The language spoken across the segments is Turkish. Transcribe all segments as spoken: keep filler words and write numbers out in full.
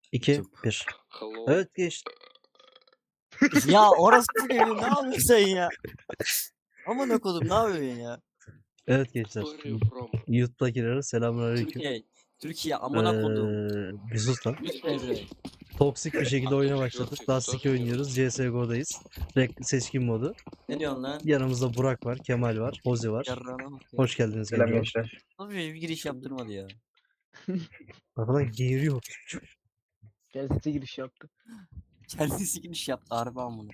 iki, bir. Hello. Evet geç. Ya orası bu gibi ne yapıyorsun sen ya? Aman okudum ne yapıyorsun ya? Evet gençler. Where are you from? YouTube'dakilere selamünaleyküm. Türkiye. Türkiye aman okudum. Ee, bir sus lan. Üç mezre. Toksik bir şekilde oyuna Altı başladık. dört, Lastik dokuz oynuyoruz. C S G O'dayız. Rek seçkin modu. Ne diyorsun lan? Yanımızda Burak var, Kemal var, Hozi var. Yarrağına bak ya. Hoş geldiniz Selam gençler. gençler. Nasıl bir giriş yaptırmadı ya? Arkadan geğiriyor. Kendisi giriş yaptı. Kendisi giriş yaptı harbi amına.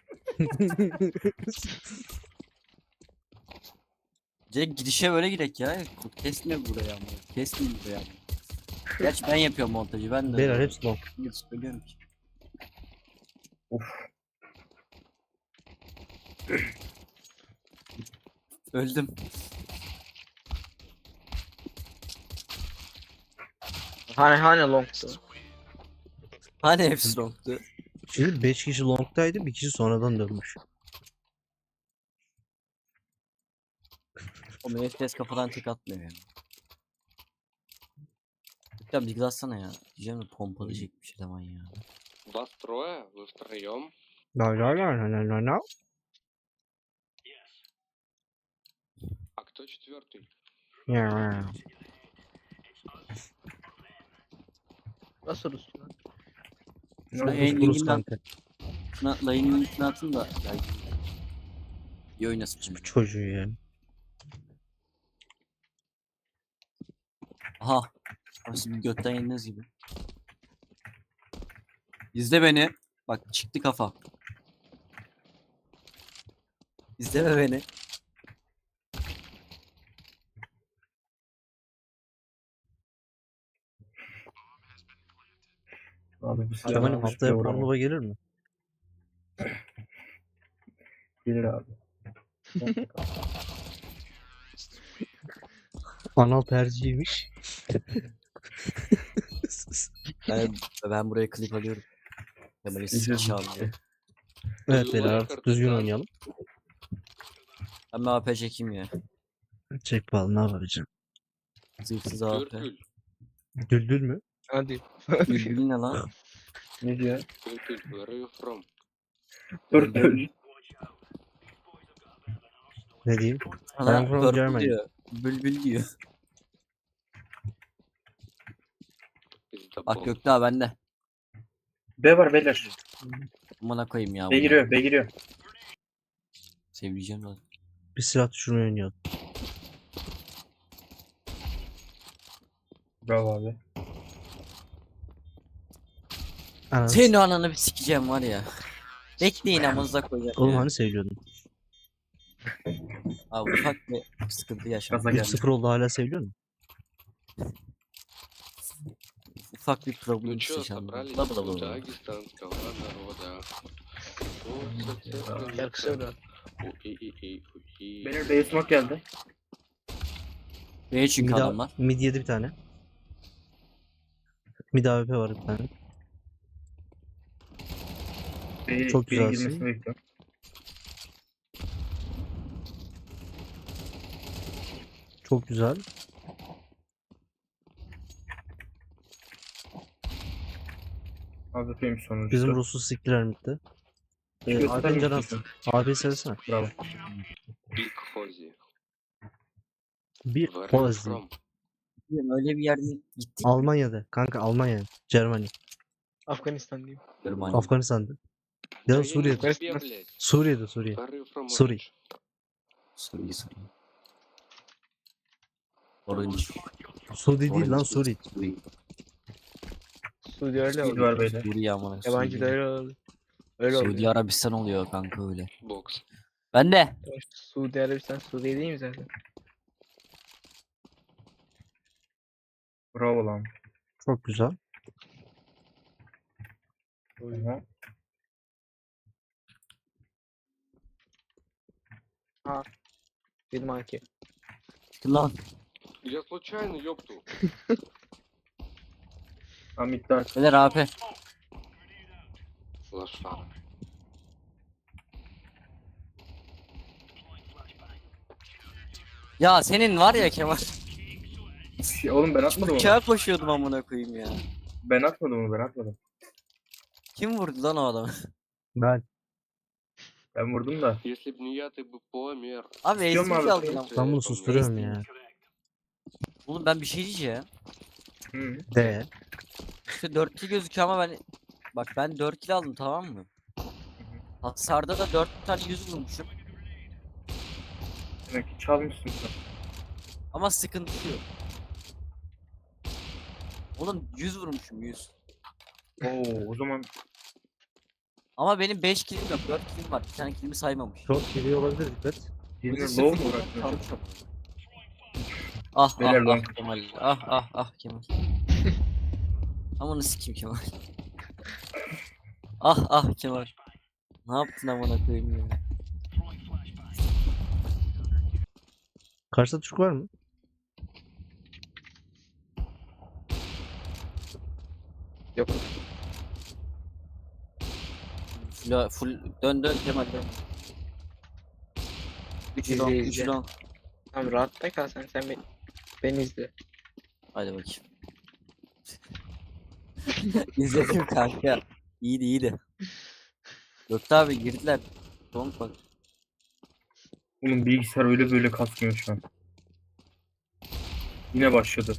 Direkt girişe böyle girek ya. Kesme buraya amına. Kesme buraya amına. Gerçi ben yapıyorum montajı ben de. Beyler hepsi long. Hiç söylüyorum ki. Of. Öldüm. Hani hani longtu. Hani hepsi longtu. Şimdi beş kişi long'taydı, bir kişi sonradan dönmüş. O F P S kafadan tek atmıyor yani. Ya bir gıdatsana ya. Diyeceğim de pompalı çekmiş eleman ya. Вас трое? Вы втроем? La la la la la la la. А кто четвертый? Ya. Nasıl Rus lan? Şuna Rus en Rus linkini kanka. Şuna layının linkini atın da. Yani. İyi oynasın şimdi. Bu çocuğu ya. Aha. Nasıl bir götten yeniniz gibi. İzle beni. Bak çıktı kafa. İzleme beni. Abi bir silah Kemal'im almış haftaya bile vuramam. Pornhub'a gelir mi? Gelir abi. Anal tercihiymiş. Ben, ben buraya klip alıyorum. Kemal'i İzliyoruz sıkışa işte. alıyor. Evet beyler artık düzgün oynayalım. Ben bir A P çekeyim ya. Çek bakalım ne yapacağım. Zırhsız A P. Тюртюль. Düldül mü? Hadi. Bülbül ne lan? Ne diyor? Тюртюль. Where are you from? Dur dur. Ne diyeyim? Ana I'm from purple Germany. diyor. Bülbül diyor. Пиздобол. Bak Gökdağ bende. B var beyler. Amına koyayım ya. B bunu. giriyor B giriyor. Seveceğim lan. Bir silah düşürmeyi oynayalım. Bravo abi. Anam. Senin o ananı bir sikeceğim var ya. Bekleyin amınıza koyacağım. Oğlum ya. hani seviyordun? Abi ufak bir sıkıntı yaşadım. Gaza üç geldi. sıfır oldu hala seviyor musun? Ufak bir problem Ну чё, yaşandı. собрались Bla bla bla у bla. дагестанского народа. Вот, Şarkı söyle. У-и-и-и-у-и. Beyler B smoke geldi. Beni çünkü Mid, adamlar. mid yedi bir tane. Mid A W P var bir tane. B, Çok B'ye güzelsin. girmesini bekliyorum. Çok güzel. Abi film sonucu. Bizim Rus'u siktiler midde. Ee, Göster Alpen Can misin? Abi sevsene. Bravo. Big Fozzy. Bir Where are you Hozi. from? Öyle bir yerde gittik. Almanya'da. Kanka Almanya. Germany. Afganistan diyeyim. Germanya. Afganistan'da. Ya Да da я не Suriye'de. тебе, блядь. Suriye'de Suriye. Where are you from, Sorry. Orange? Suriye Suriye. Orange. Suri değil lan Orange. Suri. Suriye. Suudi öyle oldu. var beyler. Suriye amına. Yabancı da Suriye. öyle oldu. Öyle oldu. Suudi Arabistan oluyor kanka öyle. Box. Ben de. Suudi Arabistan Suriye değil mi zaten? Bravo lan. Çok güzel. Hı. Ha. Bir maki. Lan. Я случайно, ёпту. Hamit'ten. Beyler A P. Лошара. Ya senin var ya Kemal. Oğlum ben atmadım onu. Uçağa koşuyordum amına koyayım ya. Ben atmadım onu ben atmadım. Kim vurdu lan o adamı? Ben Ben vurdum da. Если бы не я, ты бы помер. Abi İstiyor mu esir abi? kaldı lan. ben bunu Помер. susturuyorum ya. Oğlum ben bir şey diyeceğim. Hı. De. İşte dört kill gözüküyor ama ben... Bak ben dört kill aldım tamam mı? Hasarda da dört tane yüz vurmuşum. Demek ki çalmışsın sen. Ama sıkıntı yok. Oğlum yüz vurmuşum yüz. Oo o zaman Ama benim beş killim yok, dört killim var. Bir tane killimi saymamış. Çok geliyor olabilir dikkat. birine Bizi low sıfır mu kilden bıraktın? kalmış ama. Ah Beyler ah long. ah Kemal. Ah ah ah Kemal. Amanı sikeyim Kemal. Ah ah Kemal. Ne yaptın amına koyayım ya? Karşıda Türk var mı? Yok. Full, full dön dön Kemal dön. üç İzle, long, izle. üç long. Tamam rahatta kal sen sen beni, beni izle. Hadi bakayım. İzledim kanka. İyiydi iyiydi. Gökte abi girdiler. Long bak. Bunun bilgisayar öyle böyle kasmıyor şu an. Yine başladı.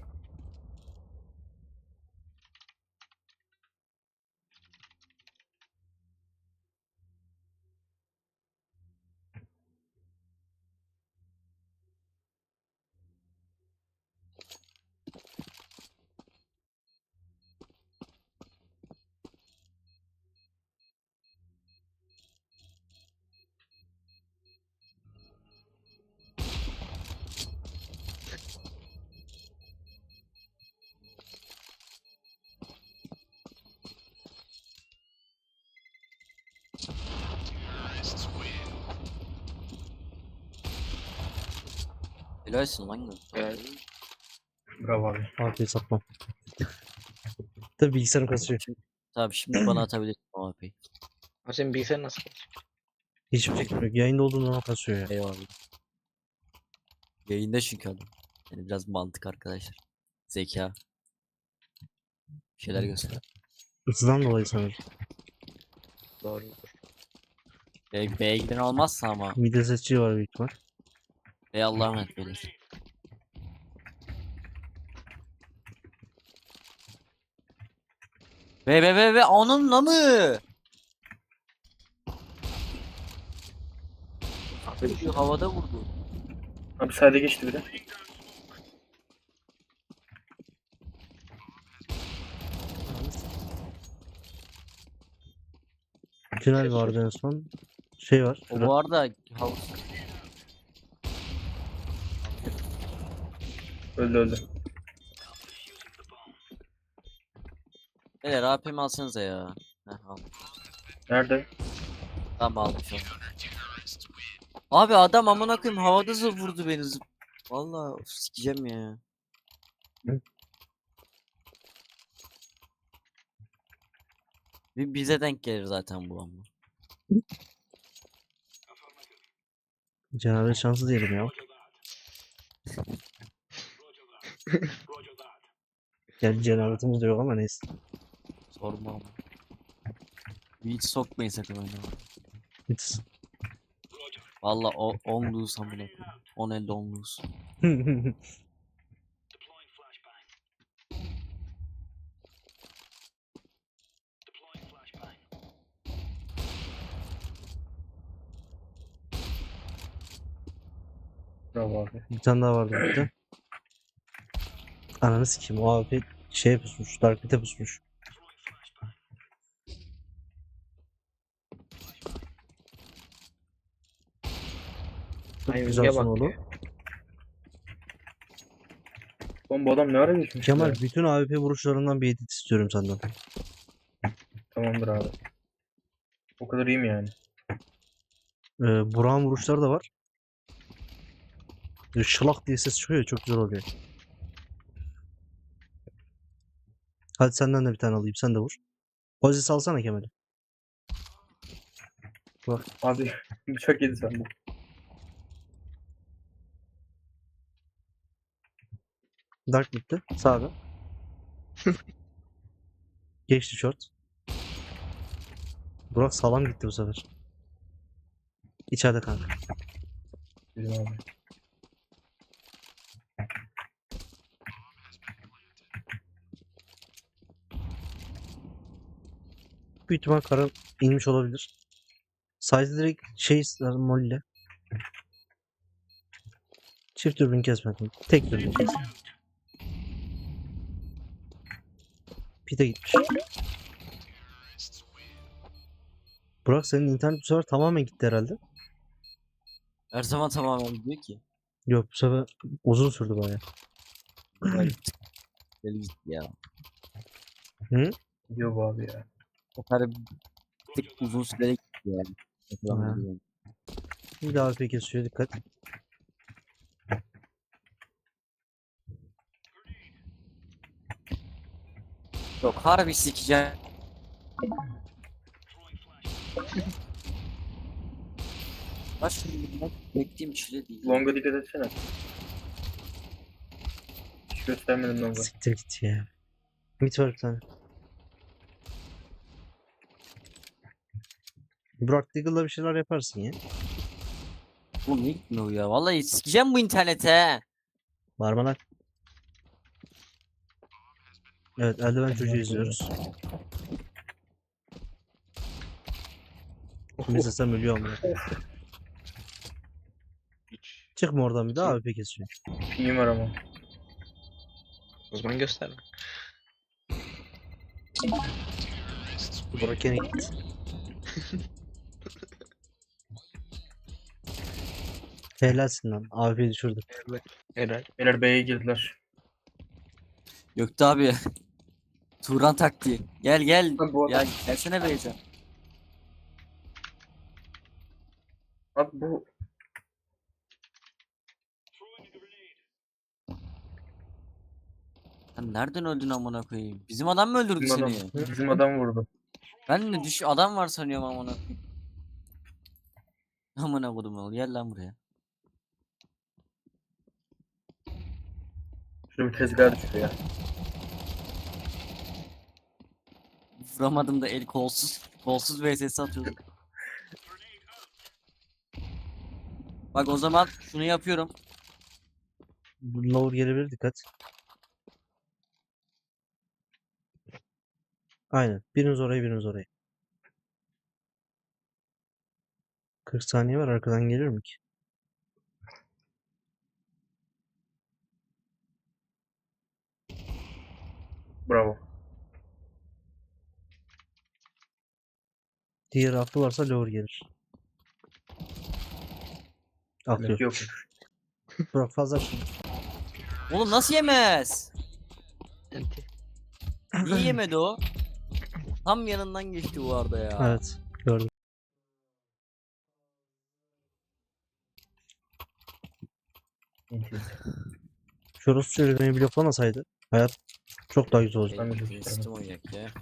Helalsin lan Gökte. Evet. Bravo abi. Afiyet satmam. Tabii bilgisayarım kasıyor. Tabii şimdi bana atabilirsin o A P'yi. Abi senin bilgisayar nasıl? Hiçbir fikrim yok. Yayında olduğum zaman kasıyor ya. Eyvallah. Yayında çünkü adam. Yani biraz mantık arkadaşlar. Zeka. Bir şeyler göster. Hızdan dolayı sanırım. Doğrudur. Be B'ye giden olmazsa ama. Video seçici var büyük ihtimal. Ey Allah'a emanet beyler. Be be be be onunla mı? Abi, Şu havada vurdu. abi sayda geçti bir de. Tünel vardı en son. Şey var. O Şurada. bu arada havuz. Öldü öldü. Beyler A P mi alsanıza ya. Heh al. Nerede? Tamam aldım şu an. Abi adam amına koyayım havada zı vurdu beni zıp. Vallahi of, sikeceğim ya. Hı. Bir bize denk gelir zaten bu ama. Cenab-ı şansı diyelim ya. Yani cenabetimiz de yok ama neyse. Sorma ama. Hiç sokmayın sakın oyuna. Hiç. Valla o on lose amına koyayım. on elde on lose. Bravo abi. Bir tane daha vardı burada. Ananı sikeyim. O abi şeye pusmuş. Dark Pit'e pusmuş. Çok Ay, güzel Özge son bak oldu. ya. Oğlum bu adam ne ara geçmiş Kemal ya? bütün A W P vuruşlarından bir edit istiyorum senden. Tamamdır abi. O kadar iyi mi yani? Ee, Burak'ın vuruşları da var. Böyle şılak diye ses çıkıyor ya, çok güzel oluyor. Hadi senden de bir tane alayım, sen de vur. Pozi salsana Kemal'i. Abi bıçak yedi sen bu. Dark bitti. Sağda. Geçti short. Burak sağlam gitti bu sefer. İçeride kanka. Bizim abi. Büyük ihtimal kara inmiş olabilir. Size direkt şey ister molle. Çift dürbün kesmedim. Tek dürbün kestim. Pite gitmiş. Burak senin internet bu sefer tamamen gitti herhalde. Her zaman tamamen gidiyor ki. Yok bu sefer uzun sürdü baya. Böyle tık, böyle gitti ya. Hı? Gidiyor bu abi ya. O kadar bir tık uzun süreli gitti yani. Ha. Hatırlamıyorum. Bir daha A P kesiyor, dikkat. Yok harbi sikeceğim. Baş beklediğim çile değil. Longa dikkat etsene. Hiç göstermedim longa. Siktir git ya. Mid var bir tane. Burak Deagle'la bir şeyler yaparsın ya. Bu ne gitmiyor ya? Vallahi sikeceğim bu internete. Var mı lan? Evet, eldiven çocuğu izliyoruz. Biz de sen ölüyor ama. Hiç. Çıkma oradan bir daha A P kesiyor. Pingim var ama. O zaman gösterme. Burak gene gitti. Helalsin lan. A P düşürdü. Helal. Beyler B'ye girdiler. Gökte abi. Turan taktiği. Gel gel. Abi bu Ya adam, gelsene Beyza. abi bu Sen nereden öldün amına koyayım? Bizim adam mı öldürdü bizim adam, seni? bizim adam vurdu. Ben de düş adam var sanıyorum amına koyayım. Amına kodum ol. Gel lan buraya. Şurada bir tezgah düştü ya. Vuramadım da el kolsuz. Kolsuz V S atıyordum. Bak o zaman şunu yapıyorum. Lower gelebilir, dikkat. Aynen. Biriniz oraya, biriniz oraya. kırk saniye var, arkadan gelir mi ki? Bravo. Diğer aklı varsa lower gelir. Aklı Demek yok. ki yokmuş. Burak fazla şimdi. Oğlum nasıl yemez? Enti. Niye yemedi o? Tam yanından geçti bu arada ya. Evet, gördüm. Şurası şöyle beni bloklamasaydı hayat çok daha güzel olacak. Ben de çok Şey, isterim. Sistem oynayak ya.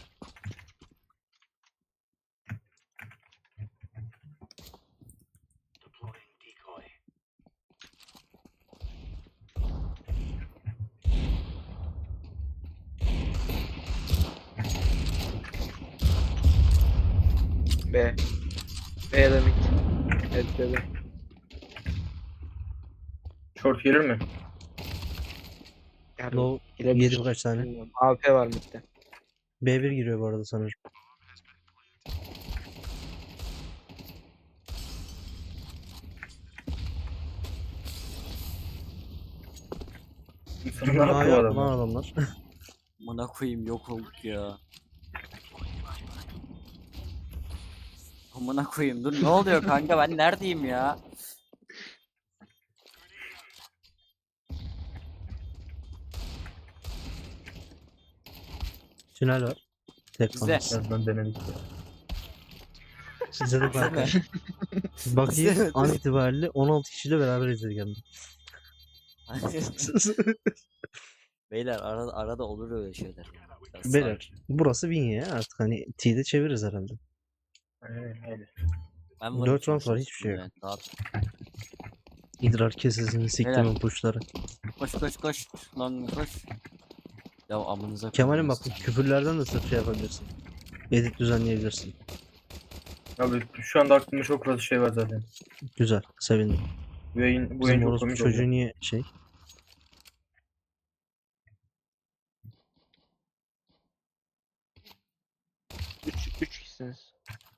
B. B ya da mid. Evet B. B. Short gelir mi? Yani Low girebilir. yedi birkaç tane. Bilmiyorum. A P var midde. B bir giriyor bu arada sanırım. Sana ne yaptı bu A'ya adam? bulan adamlar. Amına koyayım yok olduk ya. Amına koyayım dur ne oluyor kanka ben neredeyim ya? Tünel var. Tek Bizde. kalmış. Birazdan denedik ya. İzledim kanka. Bizde Bakayım İzledim. an itibariyle on altı kişiyle beraber izledik hem de. Beyler arada, arada olur öyle şeyler. Biraz Beyler sakin. burası win ya, artık hani T'de çeviririz herhalde. Aynen öyle. Ben dört varım round çünkü var, hiçbir şey yok. yani, rahat. İdrar kesesini siktimin puşları. Koş koş koş lan koş. Ya amınıza Kemal'im koyayım bak bu sizi. küfürlerden de sırf şey yapabilirsin. Edit düzenleyebilirsin. Abi şu anda aklımda çok fazla şey var zaten. Güzel. Sevindim. Bu yayın, bu yayın Bizim çok orospu komik çocuğu oldu. niye şey? Üç, üç kişisiniz.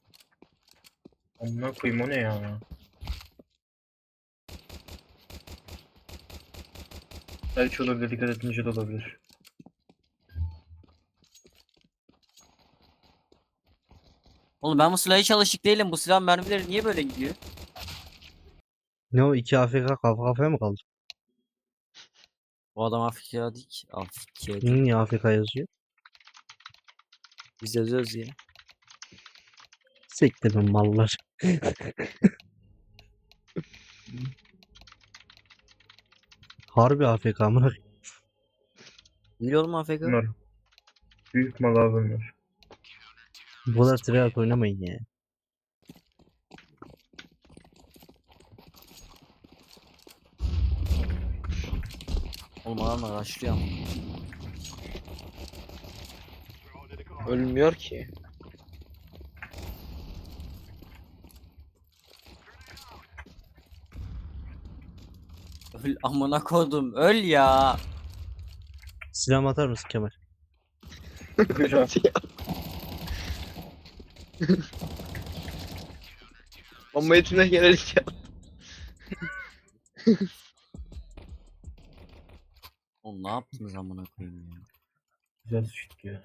Amına koyayım o ne ya? Belki olabilir, dikkat etmeyince de olabilir. Oğlum ben bu silahı hiç alışık değilim. Bu silah mermileri niye böyle gidiyor? Ne o iki A F K kafa kafaya mı kaldı? Bu adam Afrika değil ki. Afrika değil. Niye A F K yazıyor? Biz yazıyoruz ya. Siktirin mallar. Harbi A F K amına. Biliyorum Afrika. Bunlar büyük mal abi bunlar. Bu kadar tryhard oynamayın ya. Oğlum adamlar başlıyor ama. Ölmüyor ki. Öl amına kodum. Öl ya. Silahımı atar mısın Kemal? Güzel. Ama etine gelerek ya. Oğlum ne yaptınız amına koyayım ya. Güzel sıçtık ya.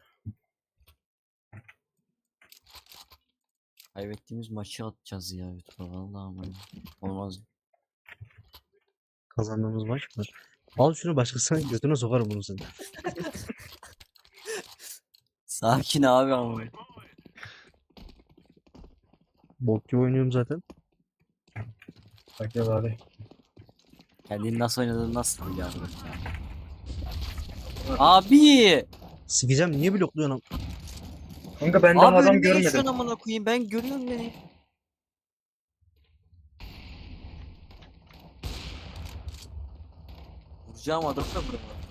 Kaybettiğimiz maçı atacağız ya YouTube'a vallahi ama olmaz. Kazandığımız maç mı? Al şunu başkasının götüne sokarım bunu seni. Sakin abi ama. Bok gibi oynuyorum zaten. Bak ya abi. Kendini nasıl oynadığını nasıl biliyorsun? Abi! Sikeceğim niye blokluyorsun? am- Kanka ben daha Abi adam önüme görmedim. geçiyorsun amına koyayım ben görüyorum beni. Vuracağım adamı da vuramam ya.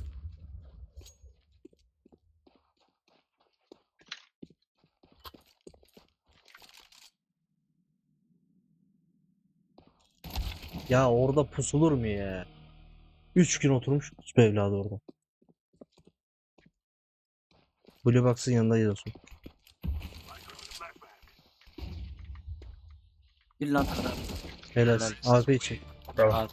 Ya orada pusulur mu ya? Üç gün oturmuş bu evladı orada. Blue Box'ın yanında yiyorsun. Bir lan kadar. Helal. Helal. A P için. Bravo. Abi.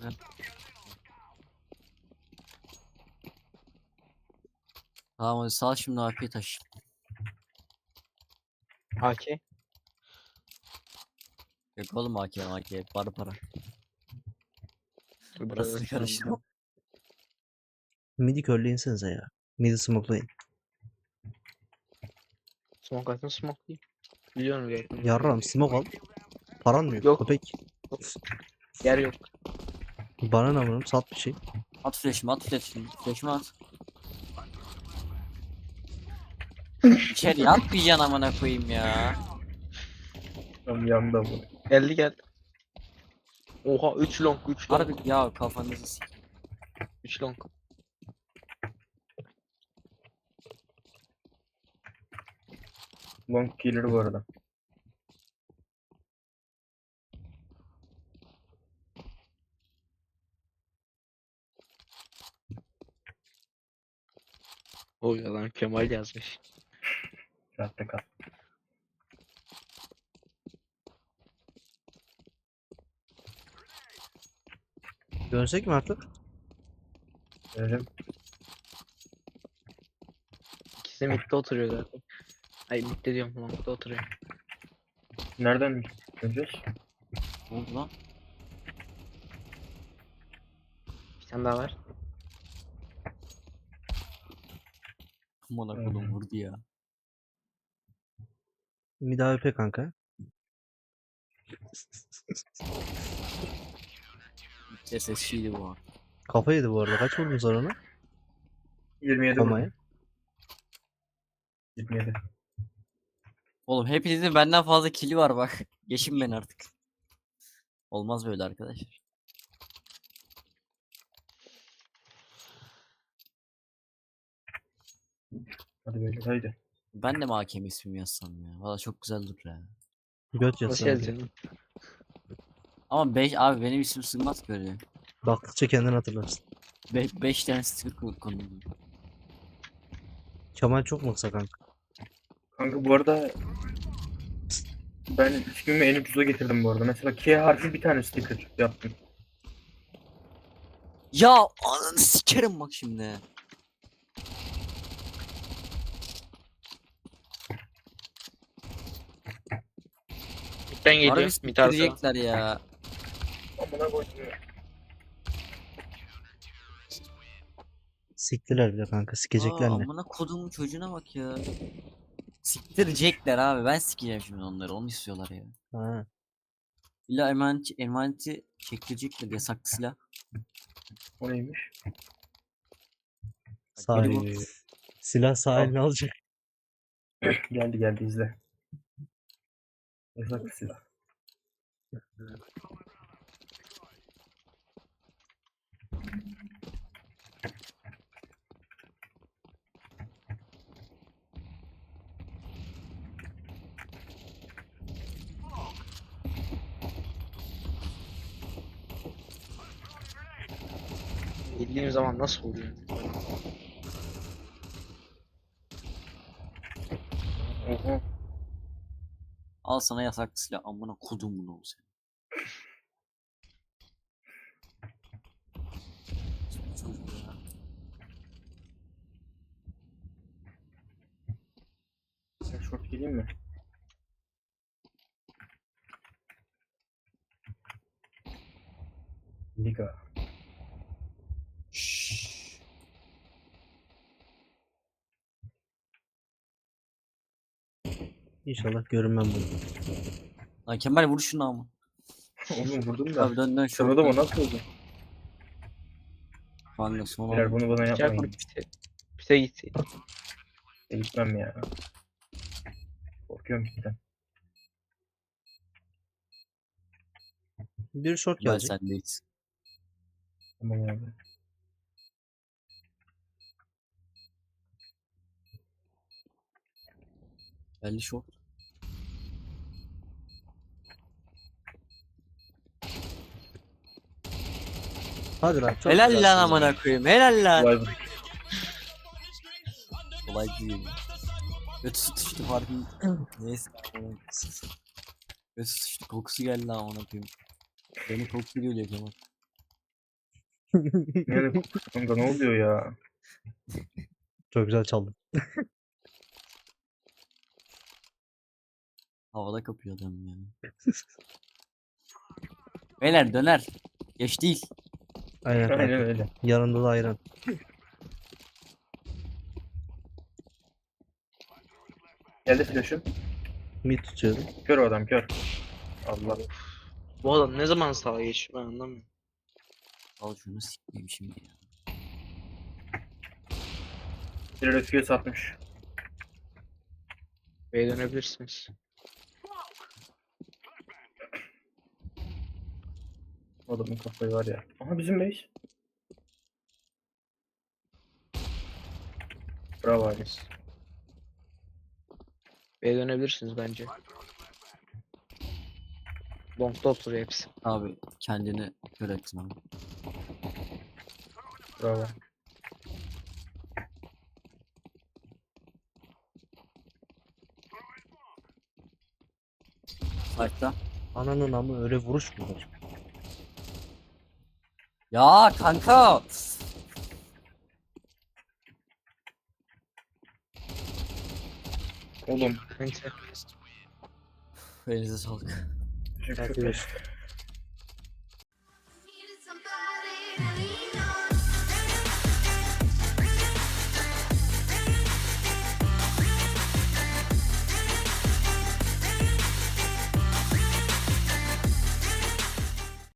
Tamam hadi sal şimdi A P'yi taş. A K. Yok oğlum A K A K para para. Dur Burası biraz karıştırma. Midi körleyinsenize ya. Midi smokelayın. Smoke atın smoke değil. Biliyorum gerçekten. Yarram smoke al. Paran mı yok? Yok. Köpek. Yer yok. Bana ne vururum? Sat bir şey. At flash'ımı at flash'ımı. Flash'ımı at. İçeri atmayacaksın amına koyayım ya. Tam yanında bu. Geldi geldi. Oha üç long üç long. Harbi ya kafanızı sik. üç long. Long killer bu arada. Oy adam Kemal yazmış. Rahatta kal. Dönsek mi artık? Görelim. İkisi midde oturuyor zaten. Ay midde diyorum longda oturuyor. Nereden döneceğiz? Ne oldu lan? Bir tane daha var. Amına Hmm. kodum vurdu ya. Mid A W P kanka. S S C'ydi bu an. Kafa yedi bu arada. Kaç vurdun sen ona? yirmi yedi Komaya. vurdum. yirmi yedi. Oğlum hepinizin benden fazla kili var bak. Geçin beni artık. Olmaz böyle arkadaşlar. Hadi böyle haydi. Ben de mi hakem ismimi yazsam ya? Valla çok güzel durur ya. Göt Hoş yazsın. geldin. Ama beş abi benim isim sığmaz ki öyle. Baktıkça kendini hatırlarsın. beş tane sticker koy- konuldu. Kemal çok mu kısa kanka? Kanka bu arada ben ismimi en ucuza getirdim bu arada. Mesela K harfi bir tane sticker yaptım. Ya ananı sikerim bak şimdi. Ben geliyorum. Harbi Bir tane daha. siktirecekler ya. Amına koydum ya. Siktiler bile kanka. Aa, Sikecekler ne? amına kodumun çocuğuna bak ya. Siktirecekler abi. Ben sikeceğim şimdi onları. Onu istiyorlar ya. Ha. İlla emaneti, emaneti çektirecekler yasaklı silah. O neymiş? Sağ Biri bu. Silah sağ Al. eline alacak. Geldi geldi izle. Yasak silah. Bildiğim zaman nasıl oluyor? Oha. Al sana yasaklı silah. Amına kodum bunu olsun. Çocuk ya. Sen short geleyim mi? Liga. Şşş. İnşallah görünmem bunu. Lan Kemal vur şunu ama. Oğlum vurdum da. Abi dön dön şu. Sırada mı nasıl oldu? Kanka son Beyler oldu. bunu bana Gel yapmayın. kurup bite. Bite gitseydi. E, Gitmem ya. Korkuyorum gitten. Bir short Ben gelecek. sendeyiz. Tamam abi. Belli şok. Hadi lan. Çok Helal güzelsin lan ya. amına koyayım. Helal lan. Vay be. Kolay değil. Götü sıçtı farkın. Neyse. Götü sıçtı kokusu geldi amına koyayım. Benim kokusu geliyor Kemal. Yani kanka ne oluyor ya? Çok güzel çaldın. Havada kapıyor adam yani. Beyler döner. Geç değil. Aynen Aynen kanka. öyle. Yanında da ayran. Geldi flash'ım. Mid tutuyorum. Kör o adam kör. Allah. Bu adam ne zaman sağa geçiyor ben anlamıyorum. Al şunu sikeyim şimdi ya. Bir refuse satmış. B'ye dönebilirsiniz. Adamın kafayı var ya. Aha bizim base. Bravo abi. B'ye dönebilirsiniz bence. Long'da oturuyor hepsi. Abi kendini kör ettin abi. Bravo. Fight'ta. Ananın amı öyle vuruş mu var? Ya kanka. Oğlum. Bence Elinize sağlık. Teşekkür Takip ederim. et.